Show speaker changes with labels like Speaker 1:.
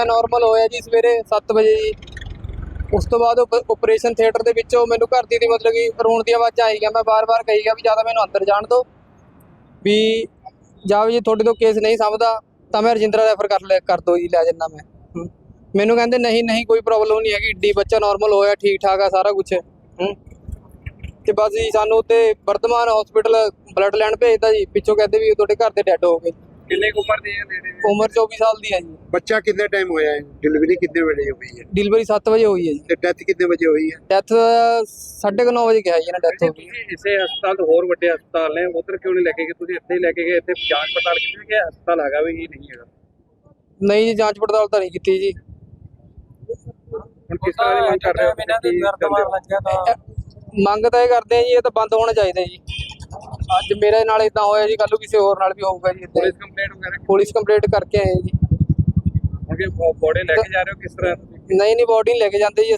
Speaker 1: ਬੱਚਾ ਨਾਰਮਲ ਹੋਇਆ ਜੀ ਸਵੇਰੇ 7 ਵਜੇ ਜੀ। ਉਸ ਤੋਂ ਬਾਅਦ ਆਪਰੇਸ਼ਨ ਥੀਏਟਰ ਦੇ ਵਿੱਚੋਂ ਮੈਨੂੰ ਘਰ ਦੀ ਮਤਲਬ ਕਿ ਰੋਣ ਦੀ ਆਵਾਜ਼ ਆਈ ਗਿਆ। ਮੈਂ ਬਾਰ-ਬਾਰ ਕਹੀ ਗਿਆ ਵੀ ਜਾਂ ਤਾਂ ਮੈਨੂੰ ਅੰਦਰ ਜਾਣ ਦਿਓ ਵੀ ਜਾਂ ਵੀ ਜੇ ਤੁਹਾਡੇ ਤੋਂ ਕੇਸ ਨਹੀਂ ਸਮਝਦਾ ਤਾਂ ਮੈਂ ਰਜਿੰਦਰਾ ਰੈਫਰ ਕਰ ਦਿਓ ਜੀ, ਲੈ ਜੰਨਾ ਮੈਂ। ਮੈਨੂੰ ਕਹਿੰਦੇ ਨਹੀਂ ਕੋਈ ਪ੍ਰੋਬਲਮ ਨਹੀਂ ਹੈਗੀ, ਏਡੀ ਬੱਚਾ ਨਾਰਮਲ ਹੋਇਆ, ਠੀਕ ਠਾਕ ਆ ਸਾਰਾ ਕੁਛ। ਤੇ ਬਸ ਜੀ ਸਾਨੂੰ ਉੱਥੇ ਵਰਧਮਾਨ ਹਸਪੀਟਲ ਬਲੱਡ ਲੈਣ ਭੇਜਦਾ ਜੀ। ਪਿੱਛੋਂ ਕਹਿੰਦੇ ਵੀ ਤੁਹਾਡੇ ਘਰ ਦੇ ਡੈਡ ਹੋ ਗਏ।
Speaker 2: ਕਿੰਨੇ ਕੁ ਉਮਰ ਦੀ ਹੈ?
Speaker 1: ਉਮਰ 24 ਸਾਲ ਦੀ ਹੈ ਜੀ।
Speaker 2: ਬੱਚਾ ਕਿੰਨੇ ਟਾਈਮ ਹੋਇਆ ਹੈ? ਡਿਲੀਵਰੀ ਕਿੰਨੇ ਵਜੇ ਹੋਈ ਹੈ?
Speaker 1: ਡਿਲੀਵਰੀ 7 ਵਜੇ ਹੋਈ ਹੈ ਜੀ।
Speaker 2: ਤੇ ਡੈਥ ਕਿੰਨੇ ਵਜੇ ਹੋਈ ਹੈ?
Speaker 1: ਡੈਥ 9:30 ਵਜੇ ਕਿਹਾ ਜੀ ਨਾ ਡੈਥ ਹੋ ਗਈ।
Speaker 2: ਤੁਸੀਂ ਇਸੇ ਹਸਪਤਾਲ ਤੋਂ ਹੋਰ ਵੱਡੇ ਹਸਪਤਾਲ ਨੇ ਉਧਰ ਕਿਉਂ ਨਹੀਂ ਲੈ ਕੇ ਗਏ? ਤੁਸੀਂ ਇੱਥੇ ਹੀ ਲੈ ਕੇ ਗਏ। ਇੱਥੇ ਜਾਂਚ ਪੜਤਾਲ ਕੀਤੀ ਕਿ ਹਸਪਤਾਲ ਹੈਗਾ ਵੀ ਨਹੀਂ ਹੈਗਾ?
Speaker 1: ਨਹੀਂ ਜੀ, ਜਾਂਚ ਪੜਤਾਲ ਤਾਂ ਨਹੀਂ ਕੀਤੀ ਜੀ।
Speaker 2: ਹੁਣ ਕਿਸ ਤਰ੍ਹਾਂ ਦੀ ਮੰਗ ਕਰ ਰਹੇ ਹੋ?
Speaker 1: ਮੰਗ ਤਾਂ ਇਹ ਕਰਦੇ ਆ ਜੀ, ਇਹ ਤਾਂ ਬੰਦ ਹੋਣਾ ਚਾਹੀਦਾ ਜੀ। ਅੱਜ ਮੇਰੇ ਨਾਲ ਇਦਾਂ ਹੋਇਆ ਜੀ, ਕੱਲ ਨੂੰ ਕਿਸੇ ਹੋਰ ਨਾਲ ਵੀ ਹੋਊਗਾ ਜੀ।
Speaker 2: ਪੁਲਿਸ ਕੰਪਲੇਂਟ ਵਗੈਰਾ?
Speaker 1: ਪੁਲਿਸ ਕੰਪਲੇਂਟ ਕਰਕੇ ਆਏ ਜੀ।
Speaker 2: ਅੱਗੇ ਬੋਡੀ ਲੈ ਕੇ ਜਾ ਰਹੇ ਹੋ ਕਿਸ ਤਰ੍ਹਾਂ?
Speaker 1: ਨਹੀਂ ਬੋਡੀ ਨਹੀਂ ਲੈ ਕੇ ਜਾਂਦੇ ਜੀ।